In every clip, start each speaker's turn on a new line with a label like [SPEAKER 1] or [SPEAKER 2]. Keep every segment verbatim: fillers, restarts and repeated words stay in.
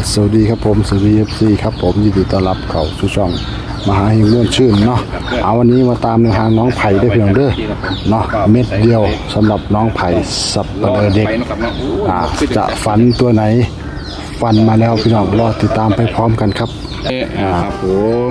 [SPEAKER 1] สวัสดีครับผมสวัสดีเอฟซีครับผมยินดีต้อนรับเข้าสู่ช่องมหาหิงม่วนชื่นเนาะเอาวันนี้มาตามในทางน้องไผ่ได้เพียงเด้อเนาะเม็ดเดียวสำหรับน้องไผ่สับเปลือเด็กอ่าจะฝันตัวไหนฝันมาแล้วพี่น้องรอติดตามไปพร้อมกันครับ
[SPEAKER 2] ครับผม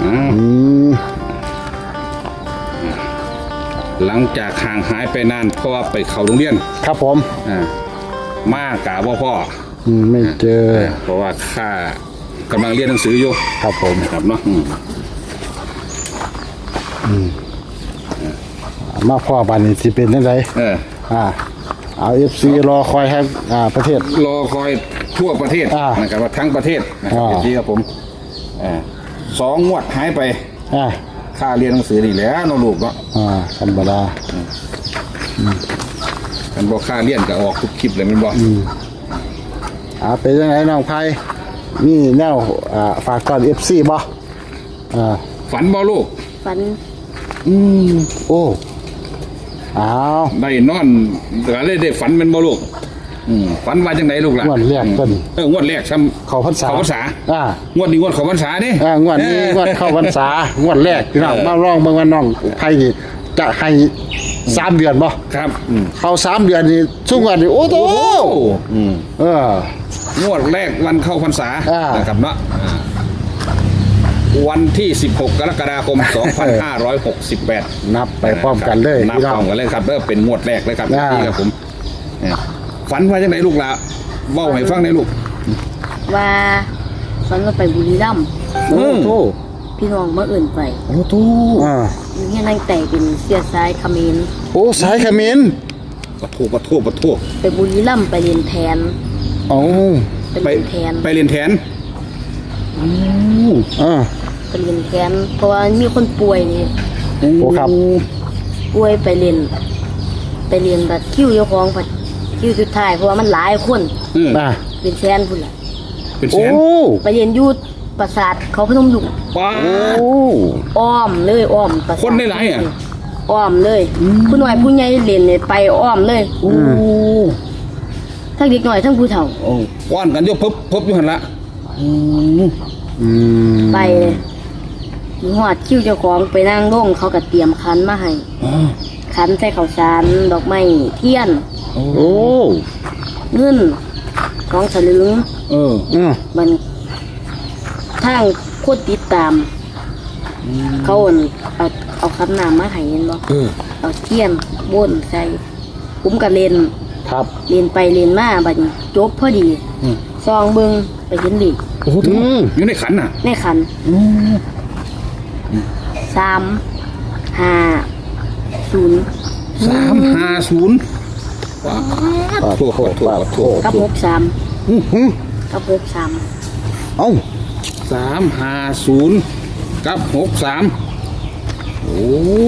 [SPEAKER 2] หลังจากห่างหายไปนานเพราะว่าไปเข้าโรงเรียน
[SPEAKER 1] ครับผม
[SPEAKER 2] อ่ามากะว่าพ่อ
[SPEAKER 1] อืมไม่เจอ
[SPEAKER 2] เพราะว่าข้ากำลังเรียนหนังสืออยู่
[SPEAKER 1] ครับผม
[SPEAKER 2] ครับเนาะอืม
[SPEAKER 1] มาพ่อบ้านนี้สิเป็นยังไง
[SPEAKER 2] เออ
[SPEAKER 1] อ่าเอาเอฟซีรอคอยให้อ่าประเทศ
[SPEAKER 2] รอคอยทั่วประเทศ
[SPEAKER 1] อ่า
[SPEAKER 2] นะครับว่าทั้งประเทศนะครับ
[SPEAKER 1] อ่า
[SPEAKER 2] ที่ครับผมอ่าสองงวดหายไป
[SPEAKER 1] อ่า
[SPEAKER 2] ค่าเรียนหนังสือนี่แหล้วน้องลูกเนาะ
[SPEAKER 1] อ่าธรรมดา
[SPEAKER 2] กันบอกค่าเรียนก็ออกทุกคลิปเลยมันบอก
[SPEAKER 1] อ่าเป็นยังไงน้องไผ่นี่แนวอ่าฝากก่อนเอฟซีบ่อ่า
[SPEAKER 2] ฝันบ่ลูก
[SPEAKER 3] ฝัน
[SPEAKER 1] อืมโอ้อ้าว
[SPEAKER 2] ได้นอนก็เลยได้ฝันเป็นบ่ลูกอืมฝันว่าจังไดลูกล่ะ
[SPEAKER 1] งวดแรกต้น
[SPEAKER 2] เอองวดแรกซ้ำ
[SPEAKER 1] เข้าพรรษา
[SPEAKER 2] เข้าพรรษา
[SPEAKER 1] อ่าง
[SPEAKER 2] วดนี้งวดเข้าพรรษาเด้
[SPEAKER 1] อ่างวดนี้งวดเข้าพรรษางวดแรกพี่น้องมาลองเบิ่งว่าน้องไผ่นี่จะให้สามเดือนบ่
[SPEAKER 2] ครับอืม
[SPEAKER 1] เข้าสามเดือนนี่ช่วงวันนี่โอ้โห
[SPEAKER 2] อืม
[SPEAKER 1] เออง
[SPEAKER 2] วดแรกวันเข้าพรรษา
[SPEAKER 1] อ่า
[SPEAKER 2] นะครับเนาะอ่าวันที่สิบหกกรกฎาคมสองพันห้าร้อยหกสิบแปด
[SPEAKER 1] นับไปพร้อมกันเลย
[SPEAKER 2] นับ
[SPEAKER 1] พี่น้
[SPEAKER 2] พ
[SPEAKER 1] อ
[SPEAKER 2] ร้อง มกันเลยครับเด้อเป็นงวดแรกเลยครับ
[SPEAKER 1] อ่า
[SPEAKER 2] นี่ครับผมเนี่ยฝันว่าจังไดลูกล่ะเว้าให้ฟังได้ลูก
[SPEAKER 3] ว่าฝันว่าไปบุรีรัมย์
[SPEAKER 1] โอ้โห
[SPEAKER 3] พี่น้องมาเอื่นไป
[SPEAKER 2] โอ้โต
[SPEAKER 1] อ่า
[SPEAKER 3] อยู่เนี่ยนั่งแต่เป็นเสียซ้ายเขมร
[SPEAKER 1] โอ้สายเขมิ้น
[SPEAKER 2] ปะโทปะโทปะโท
[SPEAKER 3] ไปบุรีรัมย์ไปเรียนแทน
[SPEAKER 1] โอ้
[SPEAKER 3] ไป
[SPEAKER 2] ไป
[SPEAKER 3] เรียนแทน
[SPEAKER 2] ไปเรียนแทน
[SPEAKER 1] อ่า
[SPEAKER 3] ไปเรียนแทนเพราะว่ามีคนป่วยนี่
[SPEAKER 1] โอ้ครับ
[SPEAKER 3] ป่วยไปเรียนไปเรียนบัดคิวเจ้าของบัดคิวสุดท้ายเพราะว่ามันหลายคน
[SPEAKER 2] เออ
[SPEAKER 1] อ่า
[SPEAKER 3] เป็นแทนพุ่นล่ะ
[SPEAKER 2] เป็นแส
[SPEAKER 1] โอ้
[SPEAKER 2] น
[SPEAKER 3] ไปเรียนอยูดปราสาทเขาพนมดุง
[SPEAKER 2] ว้า
[SPEAKER 1] โอ้
[SPEAKER 3] อ้อมเลยอ้อมปราสาท
[SPEAKER 2] คนได้หลายอะ
[SPEAKER 3] อ้อมเลยผู้น้อยผู้ใหญ่เรียนเนี่ยไปอ้อมเลย
[SPEAKER 2] โอ้
[SPEAKER 3] ทั้งเด็กน้อยทั้งผู้เฒ่า
[SPEAKER 2] โอ้ก้อนกันอยกพบพบอยู่หันละอืม
[SPEAKER 1] อืม
[SPEAKER 3] ไปมีหอดคิ้วเจ้าของไปนั่งลงเขาก็เตรียมคันมาให้
[SPEAKER 2] อ๋อ
[SPEAKER 3] คันใส่ข้าวสารดอกไม้เทียน
[SPEAKER 2] โอ้
[SPEAKER 1] โอ้
[SPEAKER 3] เงินของสลึง
[SPEAKER 2] เออ
[SPEAKER 1] อืม
[SPEAKER 3] มันทางโคตรติดตาม เขาอั่นเอาเอาคันน้ำมาให้เห็นบ่
[SPEAKER 2] เออ
[SPEAKER 3] เอาเทียนบนใส่ผมก็เล่น
[SPEAKER 1] ครับ
[SPEAKER 3] เล่นไปเล่นมาบัดนี้จบพอดี
[SPEAKER 2] อืม
[SPEAKER 3] ซองเบิงไปเห็นดิ
[SPEAKER 2] โอ้โหอยู่ในขันน่ะ
[SPEAKER 3] ในขันสามห้าศูนย์
[SPEAKER 2] สามห้าศูนย์ว้า
[SPEAKER 1] ปาด
[SPEAKER 2] โทษ
[SPEAKER 1] โท
[SPEAKER 2] โท
[SPEAKER 1] ษ
[SPEAKER 2] ษ
[SPEAKER 1] ปาด
[SPEAKER 2] โท
[SPEAKER 1] โท
[SPEAKER 2] ษ
[SPEAKER 1] ษ
[SPEAKER 3] กับหกสาม
[SPEAKER 1] อื้อหือ
[SPEAKER 3] กับหกสาม
[SPEAKER 1] เอ้า
[SPEAKER 2] สามห้าศูนย์กับหกสามโอ้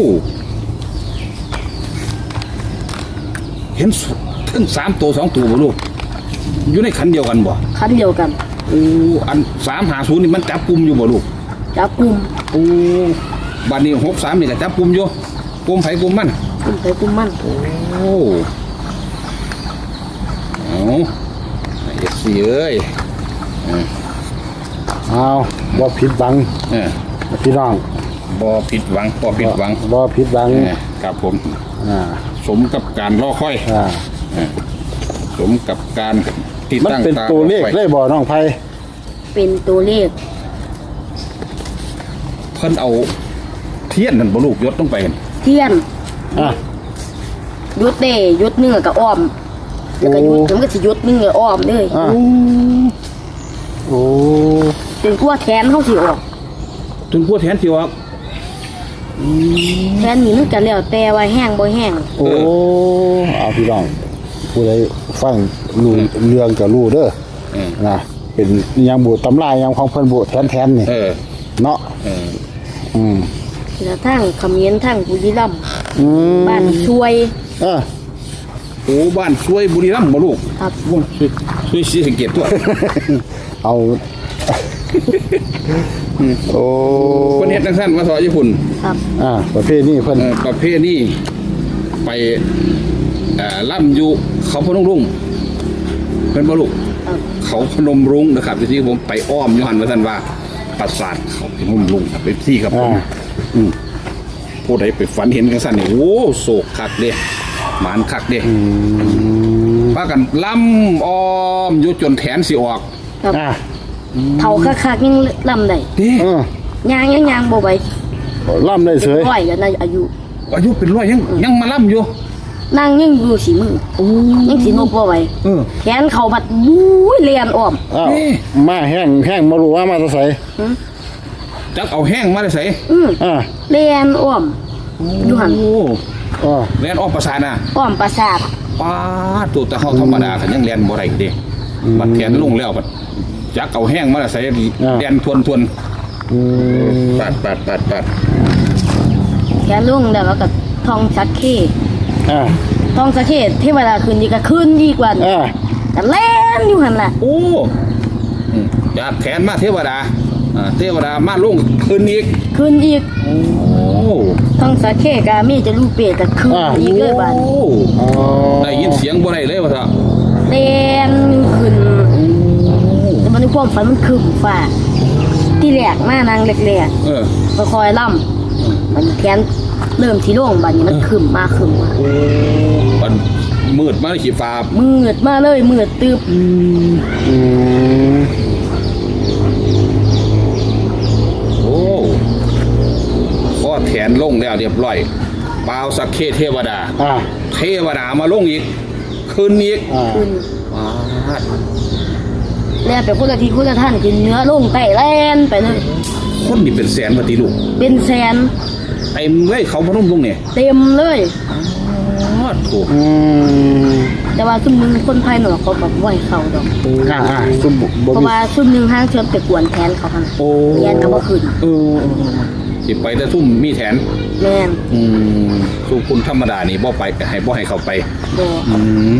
[SPEAKER 2] เห็นทั้งสามตัวสองตัวบ่ลูกอยู่ในขันเดียวกันบ่
[SPEAKER 3] คันเดียวกัน
[SPEAKER 2] โอ้อันสามห้าศูนย์นี่มันจับกลุ่มอยู่บ่ลูก
[SPEAKER 3] จับกลุ่ม
[SPEAKER 2] โอ้บัดนี้หกสามนี่ก็จับกลุ่มอยู่กลุ่มไผกลุ่มมัน
[SPEAKER 3] กลุ่มไปกลุ่มมัน
[SPEAKER 2] โอ้เอาเอฟซีเอ้ย
[SPEAKER 1] เอาบ่ผิดหวัง
[SPEAKER 2] เออ
[SPEAKER 1] พี่น้อง
[SPEAKER 2] บ่ผิดหวังบ่ผิดหวัง
[SPEAKER 1] บ่ผิดหวัง
[SPEAKER 2] เออครับผม
[SPEAKER 1] อ่า
[SPEAKER 2] สมกับการรอคอย
[SPEAKER 1] อ่า
[SPEAKER 2] เออสมกับการที่
[SPEAKER 1] มัน
[SPEAKER 2] ตั้ง
[SPEAKER 1] เป็น
[SPEAKER 2] ตา
[SPEAKER 1] ตัวเลข
[SPEAKER 2] รอค
[SPEAKER 1] เล
[SPEAKER 2] อย
[SPEAKER 1] ยบ่น้องไผ่
[SPEAKER 3] เป็นตัวเลข
[SPEAKER 2] เพิ่นเอาเทียนนั่นบ่ลูกยศต้องไปกัน
[SPEAKER 3] เทียน
[SPEAKER 1] อ่ะ
[SPEAKER 3] ยุดเด้ยุดเนื้อกับอ้อมแล้วก็ยุด
[SPEAKER 1] โอ้
[SPEAKER 3] แล้วมันก็สิยุดเนื้ออ้อมเลย
[SPEAKER 1] อ่ะโอ้
[SPEAKER 3] จนกว่าแขนเขาสิออก
[SPEAKER 2] ถึงพูดแทนที่ว่า
[SPEAKER 3] แขนนี่มันก็แล้วแต่ว่าแห้งบ่แห้ง
[SPEAKER 1] โอ้เอาพี่น้องผู้ใดฟังรู้เรื่องก็รู้เด้อ
[SPEAKER 2] เออ
[SPEAKER 1] นะเป็นยามบูตำรายามของเพิ่นบูแทนๆนี่
[SPEAKER 2] เออ
[SPEAKER 1] เนาะ
[SPEAKER 2] เออ
[SPEAKER 1] อืม
[SPEAKER 3] แล้วทั้งเขมิ้นทั้งบุรีรัมย์
[SPEAKER 1] อืม
[SPEAKER 3] บ้านช่วย
[SPEAKER 1] เออ
[SPEAKER 2] โอ้บ้านช่วยบุรีรัมย์บ่ลูก
[SPEAKER 3] ครับ
[SPEAKER 2] โอ้ช่วยช่วยศรีสะเกษตัว
[SPEAKER 1] เอา โอ้
[SPEAKER 2] คนเฮ็ดจังซั่นมาสอนญี่ปุ่น
[SPEAKER 3] ครับ
[SPEAKER 1] อ่าประเภทนี้เพิ่น
[SPEAKER 2] เอ่อประเภทนี้ไปเอ่อล่ำอยู่เขาพนมรุ้งเป็นบ่ลูก
[SPEAKER 3] ครับ
[SPEAKER 2] เขาเขาพนมรุ้งนะครับที่ผมไปอ้อมย้อนมาท่านว่าปราสาทเขาพนมรุ้งครับเป็นที่ครับผมอืมผู้ใดไปฝันเห็นกันสั้นนี่โอ้โศกคักเด้หมานคักเด้พากันล่ำอ้อมอยู่จนแขนสิออก
[SPEAKER 3] ครับ
[SPEAKER 1] อ่า
[SPEAKER 3] เท่าคักๆยังลำได้
[SPEAKER 2] เด้
[SPEAKER 1] เออย
[SPEAKER 3] างยังยางบ่ไหว
[SPEAKER 1] ล่ำได้เสย
[SPEAKER 3] ร้อยกันนะอายุ
[SPEAKER 2] อายุเป็นร้อยยังยังมาล่ำอยู่
[SPEAKER 3] นั่งยังอยู่สีมือยังสีนกบ่ไหว
[SPEAKER 2] เออ
[SPEAKER 3] แขนเขาบัดบุ้ยเลียนอ้อม
[SPEAKER 1] อ้าว
[SPEAKER 2] นี่
[SPEAKER 1] มาแห้งแห้งมารู้ว่ามาจะใส่
[SPEAKER 2] จักเอาแห้งมาได้ใส่
[SPEAKER 3] อืม
[SPEAKER 1] อ่า
[SPEAKER 3] เลียนอ้อมอยู่หัน
[SPEAKER 2] โอ้
[SPEAKER 1] อ่า
[SPEAKER 2] แลนออกประสาทน่ะ
[SPEAKER 3] อ้อมประสาท
[SPEAKER 2] ป้าดตัวแต่เฮาธรรมดาคันยังแลนบ่ได้เด้บัดแขนลงแล้วบัดจักเอาแห้งมาได้ใส่แลนทวนทวน
[SPEAKER 1] อืม
[SPEAKER 2] ปัดปัดปัดปัด
[SPEAKER 3] แขนลุงแล้วก็ทองสักเค
[SPEAKER 1] อ่า
[SPEAKER 3] ทองสักเคเทวดาคืนดีก็คืนดีกว่า
[SPEAKER 1] อ่า
[SPEAKER 3] แต่เล่นอยู่หันล่ะ
[SPEAKER 2] โอ้อืมจากแขนมาเทวดาอ่าเทวดามาลงคืนอีก
[SPEAKER 3] คืนอีก
[SPEAKER 2] โอ้
[SPEAKER 3] ทองสักเคกามีจะรูปเปรตแต่คืนอีกเลยบาด
[SPEAKER 2] โอ้
[SPEAKER 1] อ๋อ
[SPEAKER 2] ได้ยินเสียงบ่ได้เลยว่าซะ
[SPEAKER 3] เล่นขึ้นแต่มันในความฝันมันคืมฟ้าที่แหลกมานางเล็ก
[SPEAKER 2] เออ
[SPEAKER 3] ๆก็คอยล่ำมันแขนเริ่มที่โล่งบัดนี้มันคืมมาคืมมา
[SPEAKER 2] โอ้มันมืดมาในขีฟ้า
[SPEAKER 3] มืดมาเลยมืดตึบ
[SPEAKER 1] อืม
[SPEAKER 2] โอ้ข้อแขนลงแล้วเรียบร้อยปาวสักเคเทวดา
[SPEAKER 1] อ่า
[SPEAKER 2] เทวดามาลงอีกคืนอีก
[SPEAKER 1] อ่า
[SPEAKER 3] ขึ้น
[SPEAKER 2] ปาด
[SPEAKER 3] แล้วไปคนละทีคนละท่านกินเนื้อลงไตแล่นไปเลย
[SPEAKER 2] คนนี่เป็นแสนปฏิลูก
[SPEAKER 3] เป็นแสน
[SPEAKER 2] ไอ้เว้ยเขาพนมลงเนี่ย
[SPEAKER 3] เต็มเลย
[SPEAKER 2] อ๋อถูก
[SPEAKER 1] อืม
[SPEAKER 3] แต่ว่าซุ่มหนึงคนภายนอกเขาแบบไหวเขาดอก
[SPEAKER 1] อ่าอ่าซุ่มบ่
[SPEAKER 3] เพราะ
[SPEAKER 1] มี
[SPEAKER 3] ว่าซุ่มหนึงห้างเชิญไปกวนแทนเขาค่ะ
[SPEAKER 2] โอ้
[SPEAKER 3] เรียนก็บ่ขึ้น
[SPEAKER 2] เออสิไปแต่ทุ่มมีแถน
[SPEAKER 3] แม่น
[SPEAKER 2] อืมสู้คุณธรรมดานี่บ่ไปให้บ่ให้เขาไป
[SPEAKER 3] บ่
[SPEAKER 2] อืม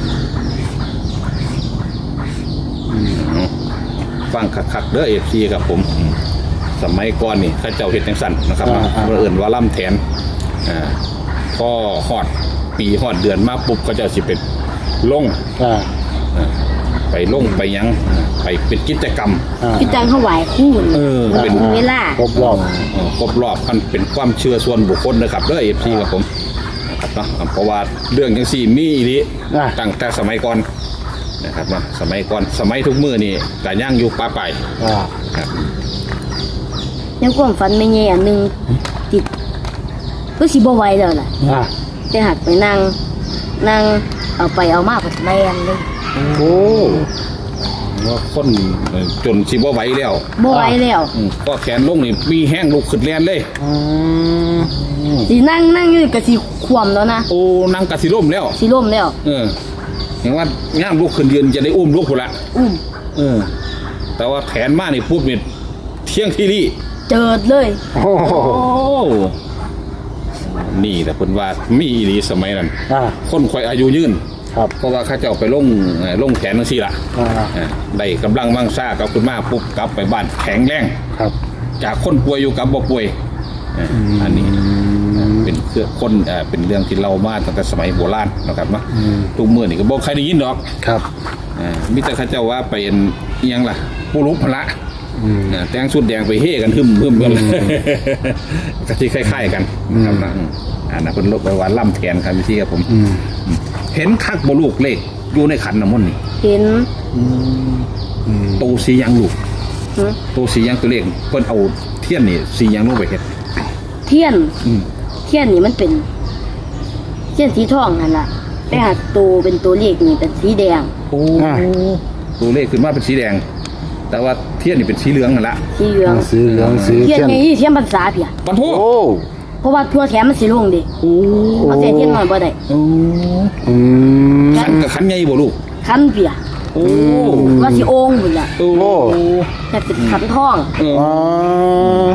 [SPEAKER 2] ฟังคักๆเด้อเอฟซีครับผมอืมสมัยก่อนนี่เข้าเจ้าเฮ็ดจังสั่นนะครับเนาะเมื่อเอื่นว่าล่ำแทนอ่าพอฮอดปีฮอดเดือนมาปุ๊บเขาเจ้าสิเป็นลง
[SPEAKER 1] อ่า
[SPEAKER 2] อ่าไปลงไปหยังอ่าไปเป็นกิจกรรม
[SPEAKER 1] อ่า
[SPEAKER 3] พี่จังเขาไหวคู่นี่
[SPEAKER 2] เออ
[SPEAKER 3] มัน
[SPEAKER 2] เป็
[SPEAKER 3] เป็น นเวลา
[SPEAKER 1] ครบรอบ
[SPEAKER 2] เอ่อครบรอบมันเป็นความเชื่อส่วนบุคคลนะครับเด้อเอฟซีครับผมนะครับเนาะเพราะว่าเรื่องจังซี่มีอีหลี
[SPEAKER 1] อ่า
[SPEAKER 2] ตั้งแต่สมัยก่อนนะครับเนาะสมัยก่อนสมัยทุกมื้อนี่ก็ย่างอยู่ป่าไป
[SPEAKER 1] อ่า
[SPEAKER 2] ครับ
[SPEAKER 3] ในความฝันไม่แย่อันหนึงติดก็สิบ่ไหวแล้วล่ะ
[SPEAKER 1] อ่า
[SPEAKER 3] แต่หักไปนั่งนั่งเอาไปเอามาก็แล่นเลย
[SPEAKER 1] โอ้
[SPEAKER 2] ว่าคนจนสิบ่ไหวแล้ว
[SPEAKER 3] บ่ไหวแล้ว
[SPEAKER 2] อืมก็แขนลงนี่มีแห้งลุกขึ้นแลนเลย
[SPEAKER 1] อืม
[SPEAKER 3] สินั่งนั่งอยู่ก็สิคว่ำแล้วนะ
[SPEAKER 2] โอ้นั่งกะสิล่มแล้ว
[SPEAKER 3] สิล่มแล้ว
[SPEAKER 2] เออเห็นว่าย่างลุกขึ้นยืนจะได้อุ้มลูกพุ่นละ
[SPEAKER 3] อุ้ม
[SPEAKER 2] เออ แต่ว่าแขนมานี่ปุ๊บนี่เที่ยงที่รี่
[SPEAKER 3] เจิดเลย
[SPEAKER 1] โอ้โห
[SPEAKER 2] โอ้นี่แต่เพิ่นว่ามีอีหลีสมัยนั้น
[SPEAKER 1] อ่า
[SPEAKER 2] คนคอยอายุยืน
[SPEAKER 1] ครับ
[SPEAKER 2] เพราะว่าเข้าเจ้าไปลงเอ่อลงแขนจังซี่ล่ะ
[SPEAKER 1] อ่า
[SPEAKER 2] อ่าได้กำลังมั่งซ่ากับคุณมาปุ๊บกลับไปบ้านแข็งแรง
[SPEAKER 1] ครับ
[SPEAKER 2] จากคนป่วยอยู่กับบ่ป่วยอ่าอันนี้อ่าเป็นเครื่องคนอ่าเป็นเรื่องที่เรามาตั้งแต่สมัยโบราณนะครับเนาะทุกมื้อนี่ก็บ่ใครได้ยินดอก
[SPEAKER 1] ครับ
[SPEAKER 2] อ่ามีแต่เข้าเจ้าว่าเป็นอิหยังล่ะผู้รู้พละ
[SPEAKER 1] อืม
[SPEAKER 2] อ่าแต่งชุดแดงไปเฮกันหึมหึมกันเลยก็ที่คล้ายๆกันนะครับนะอืมอ่านะเพิ่นลบไปว่าล่ำแทนครับพี่ครับผม
[SPEAKER 1] อืม
[SPEAKER 2] เห็นคักบ่ลูกเลขอยู่ในขันน้ำมนต์นี่
[SPEAKER 3] เห็น
[SPEAKER 1] อืม
[SPEAKER 2] โตสีหยังลูก
[SPEAKER 3] หึ
[SPEAKER 2] โตสีหยังตัวเลขเพิ่นเอาเทียนนี่สีหยังลงไปเฮ็ด
[SPEAKER 3] เทียน
[SPEAKER 2] อืม
[SPEAKER 3] เทียนนี่มันเป็น เทียนสีทองนั่นล่ะแต่หากตัวเป็นตัวเลขนี่เป็นสีแดง
[SPEAKER 2] โอ้ตัวเลขขึ้นมาเป็นสีแดง แต่ว่าเทียนนี่เป็นสีเหลืองนั่นละ
[SPEAKER 3] สีเหลือง
[SPEAKER 1] สีเหลืองสี
[SPEAKER 3] เทียน
[SPEAKER 1] เข้ม
[SPEAKER 3] ไงเทียนภาษาเพีย
[SPEAKER 2] ปันโท
[SPEAKER 1] โอ้
[SPEAKER 3] เพราะว่าทั่วแขนมันสีลงดิ
[SPEAKER 2] โอ้
[SPEAKER 3] เอาเสียเทียนหน่อยบ่ได้
[SPEAKER 2] โอ้
[SPEAKER 1] อืม
[SPEAKER 2] ขันกับขันใหญ่บ่ลูก
[SPEAKER 3] คันเปีย
[SPEAKER 2] โอ้
[SPEAKER 3] ว่าสิโอ่งพุ่นล่ะ
[SPEAKER 2] โอ้
[SPEAKER 3] แต่เป็นคันทอง
[SPEAKER 2] เออ
[SPEAKER 1] อ่า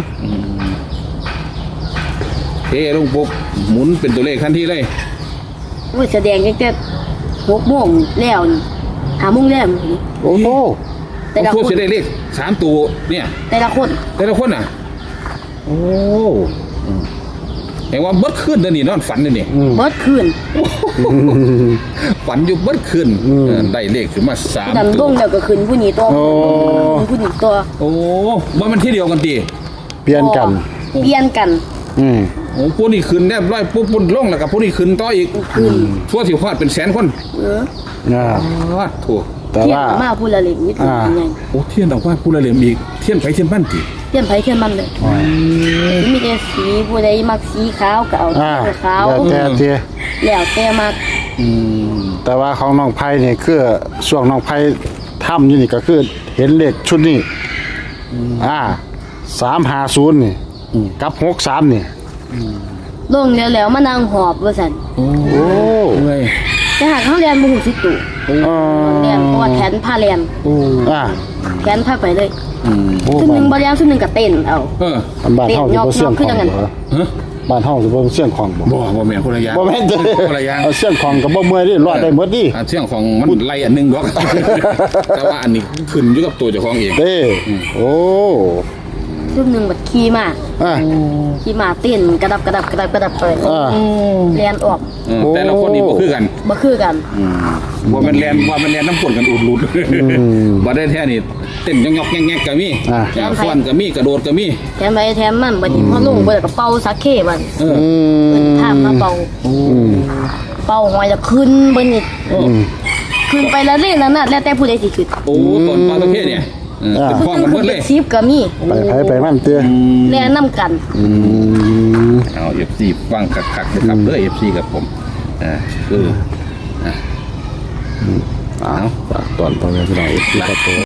[SPEAKER 2] เทลงปุ๊บหมุนเป็นตัวเลขทันทีเลย
[SPEAKER 3] อุ้ยแสดงตั้งแต่หกโมงแล้วนี่ห้าโมงแล้วนี่
[SPEAKER 1] โอ้โห
[SPEAKER 3] แต่ละ
[SPEAKER 2] พูด
[SPEAKER 3] คน
[SPEAKER 2] จะได้เลขสามตัวเนี่ย
[SPEAKER 3] แต่ละคน
[SPEAKER 2] แต่ละคนอ่ะ โอ้อืมเห็นว่าเบิดขึ้นเดี๋ยวนี้นอนฝันเดี๋ยวนี้
[SPEAKER 1] อืม
[SPEAKER 3] เบิดคืน
[SPEAKER 2] ฝันอยู่เบิดคืนเออได้เลขขึ้นมาสาม
[SPEAKER 3] ดัน
[SPEAKER 2] ตั
[SPEAKER 3] ล
[SPEAKER 2] ว
[SPEAKER 3] งแล้วก็ขึ้นผู้นี้ตัว
[SPEAKER 1] โอ้
[SPEAKER 3] ผู้นี้ตัว
[SPEAKER 2] โอ้ว่ามันที่เดียวกันตี
[SPEAKER 1] เปลี่ยนกัน
[SPEAKER 3] เปลี่ยนกัน
[SPEAKER 1] อืม
[SPEAKER 2] โอ้พวกนี้ขึ้นแนบร้อยปุ๊บปุ่นลงแล้วกับพวกนี้ขึ้นต่ออีก
[SPEAKER 3] ขึ้น
[SPEAKER 2] ทั่วสิพอดเป็นแสนคน
[SPEAKER 3] เออ
[SPEAKER 1] อ่า
[SPEAKER 2] อ้าวถูก
[SPEAKER 1] แต่
[SPEAKER 3] เทียน
[SPEAKER 1] ว่า
[SPEAKER 3] มาผู้ละเล็กนิดหนึง
[SPEAKER 1] อ่า
[SPEAKER 3] ยังไง
[SPEAKER 2] โอ้เทียนออกว่าผู้ละเหลี่ยมอีกเทียนไผเทียนบ้านตี
[SPEAKER 3] เทียนไผเทียนมันเลยมีแต่สีผู้ใดมักสีขาวก็เอา
[SPEAKER 1] อ่า
[SPEAKER 3] สีขาว
[SPEAKER 1] แต่แต่
[SPEAKER 3] แล้วแต่มัก
[SPEAKER 1] แต่ว่าของน้องไผ่เนี่ยคือช่วงน้องไผ่ทำอยู่นี่ก็คือเห็นเลขชุดนี้อ่าสามห้าศูนย์นี่กับหกสามนี่
[SPEAKER 3] ลงแล้วแล้วมานั่งหอบว่าซั่น
[SPEAKER 2] โอ้
[SPEAKER 1] โอ้
[SPEAKER 2] เอ้ย
[SPEAKER 3] แต่หากเขาเรียนบ่ฮู้สิตุ
[SPEAKER 1] อ่า
[SPEAKER 3] เรียนเพราะว่าแขนผ้าเรียน
[SPEAKER 2] โอ้
[SPEAKER 1] อ่า
[SPEAKER 3] แขนผ้าไปเลย
[SPEAKER 2] อืม
[SPEAKER 1] โอ้
[SPEAKER 3] ซุมหนึง
[SPEAKER 1] บ้าน
[SPEAKER 3] บ่เรียนซุมหนึงก็เต้นเอา
[SPEAKER 2] เออ
[SPEAKER 1] บ้านเฮาสิบ่เสี่ยงของ
[SPEAKER 3] คือจังงั้น
[SPEAKER 1] บ่
[SPEAKER 2] ฮะ
[SPEAKER 1] บ้านเฮาสิบ่เสี่ยงของบ่
[SPEAKER 2] บ่บ่แม่นคนละอย่าง
[SPEAKER 1] บ่แม่นเด้
[SPEAKER 2] คนละอย่าง
[SPEAKER 1] เอาเสี่ยงของก็บ่เมื่อยดิรอดได้หมดดิ
[SPEAKER 2] อ่าเรื่องของมันไล่อันหนึงดอก แต่ว่าอันนี้ขึ้นอยู่กับตัวเจ้าของเอง
[SPEAKER 1] เด้โอ้
[SPEAKER 3] ซุมหนึงบัดขี่มา
[SPEAKER 1] อ่า
[SPEAKER 3] ขี่มาเต้นกระดับกระดับกระดับกระดับไป
[SPEAKER 1] อ่า
[SPEAKER 3] เรียนออก
[SPEAKER 2] เออแต่ละคนนี่บ่คือกัน
[SPEAKER 3] บ่คือกัน
[SPEAKER 2] ว่ามันแลนว่ามันแลนน้ำฝนกันอุดรุดบ่ได้แท้นี่เต้นยอกๆแงกๆก็มี
[SPEAKER 1] อ่า
[SPEAKER 2] ยาวฟ้อนก็มีกระโดดก็มี
[SPEAKER 3] แถมไปแถมมันบัดนี้พอลงไปแล้วก็เป่าสักเคบัด
[SPEAKER 2] เออ
[SPEAKER 1] อื
[SPEAKER 3] เพิ่น
[SPEAKER 1] ม
[SPEAKER 3] ถามมาเป่า
[SPEAKER 1] อืม
[SPEAKER 3] เป่าหอยแล้วขึ้นเบิ่นนี่ขึ้นไปแล้วเล่นแล้วน่ะแล้วแต่ผู้ใดสิขึ้น
[SPEAKER 2] โอ้ตอนปลาตะเพียเนี่ยเออเป็นพ้องกันหมดเลย
[SPEAKER 3] สิบก็มี
[SPEAKER 1] ไปไผไปมันเตื้อ
[SPEAKER 3] แล่นนํกัน
[SPEAKER 1] อืม
[SPEAKER 2] เอา เอฟ ซี ฟังคักๆเลยครับเด้อ เอฟ ซี กับผมอ่าคือ
[SPEAKER 1] เอาฝากตอนพ่อแม่พี่น้องอีกทีครับผม